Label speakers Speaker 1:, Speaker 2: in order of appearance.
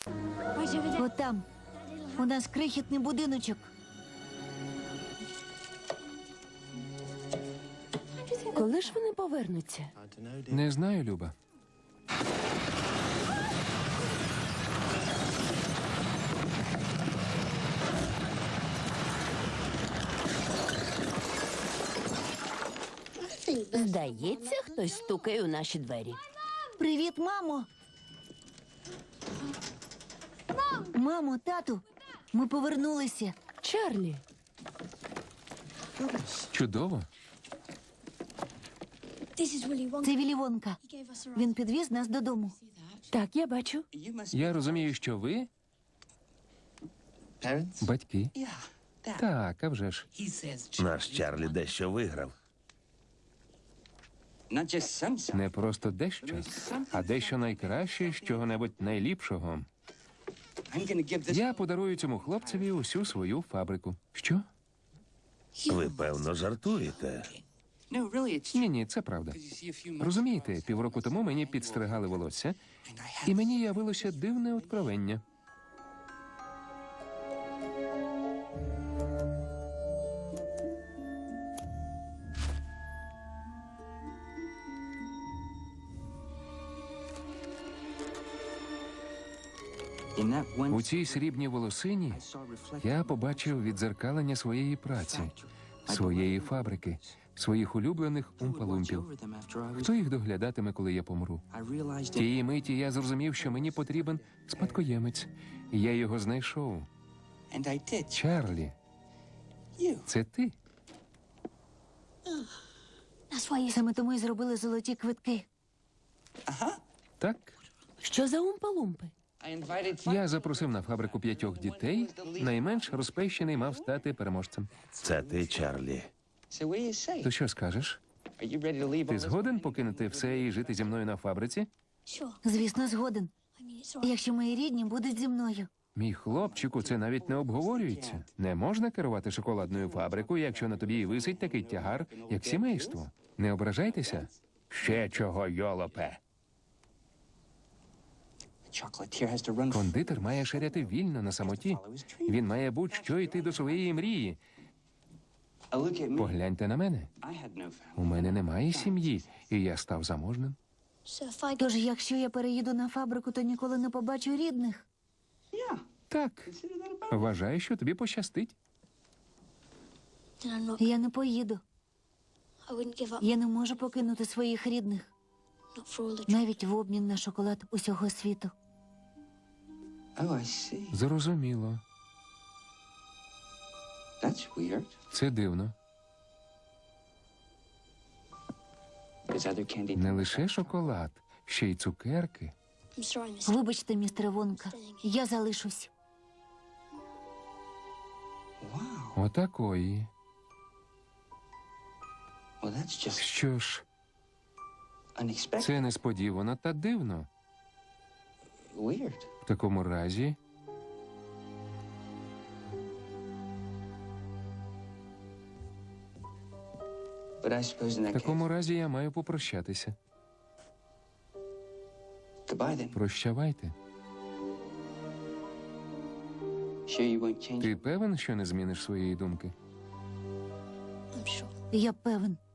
Speaker 1: Отам. У нас крихітний будиночок.
Speaker 2: Коли ж вони повернуться?
Speaker 3: Не знаю, Люба.
Speaker 2: Здається, хтось стукає у наші двері.
Speaker 1: Привіт, мамо. Мамо, тату, ми повернулися.
Speaker 2: Чарлі,
Speaker 3: Чудово.
Speaker 1: Це Віллі Вонка. Він підвіз нас додому.
Speaker 2: так, я бачу.
Speaker 3: Я розумію, що ви батьки. Так, а вже ж.
Speaker 4: Наш Чарлі дещо виграв.
Speaker 3: Не просто дещо, а дещо найкраще з чого-небудь найліпшого. Я подарую цьому хлопцеві усю свою фабрику. Що?
Speaker 4: Ви, певно, жартуєте.
Speaker 3: Ні, це правда. Розумієте, півроку тому мені підстригали волосся, і мені явилося дивне откровення. У цій срібній волосині я побачив віддзеркалення своєї праці, своєї фабрики, своїх улюблених умпалумпів. Хто їх доглядатиме, коли я помру? Тієї миті я зрозумів, що мені потрібен спадкоємець. І я його знайшов. Чарлі, це ти?
Speaker 1: Саме тому й зробили золоті квитки.
Speaker 3: Так.
Speaker 2: Що за умпа-лумпи?
Speaker 3: Я запросив на фабрику 5 дітей. Найменш розпещений мав стати переможцем.
Speaker 4: Це ти, Чарлі.
Speaker 3: То що скажеш? Ти згоден покинути все і жити зі мною на фабриці?
Speaker 1: Звісно, згоден. Якщо мої рідні будуть зі мною.
Speaker 3: Мій хлопчику, це навіть не обговорюється. Не можна керувати шоколадною фабрикою, якщо на тобі і висить такий тягар, як сімейство. Не ображайтеся. Ще чого, йолопе. Кондитер має ширяти вільно на самоті. Він має будь-що йти до своєї мрії. Погляньте на мене. У мене немає сім'ї, і я став заможним.
Speaker 1: Тож, якщо я переїду на фабрику, то ніколи не побачу рідних.
Speaker 3: Так. Вважаю, що тобі пощастить.
Speaker 1: Я не поїду. Я не можу покинути своїх рідних. Навіть в обмін на шоколад усього світу.
Speaker 3: Зрозуміло. Це дивно. Не лише шоколад, ще й цукерки.
Speaker 1: Вибачте, містер Вонка, я залишусь.
Speaker 3: Отакої. Що ж, це несподівано та дивно. В такому разі... В такому разі я маю попрощатися. Прощавайте. Ти певен, що не зміниш своєї думки?
Speaker 1: Я певен.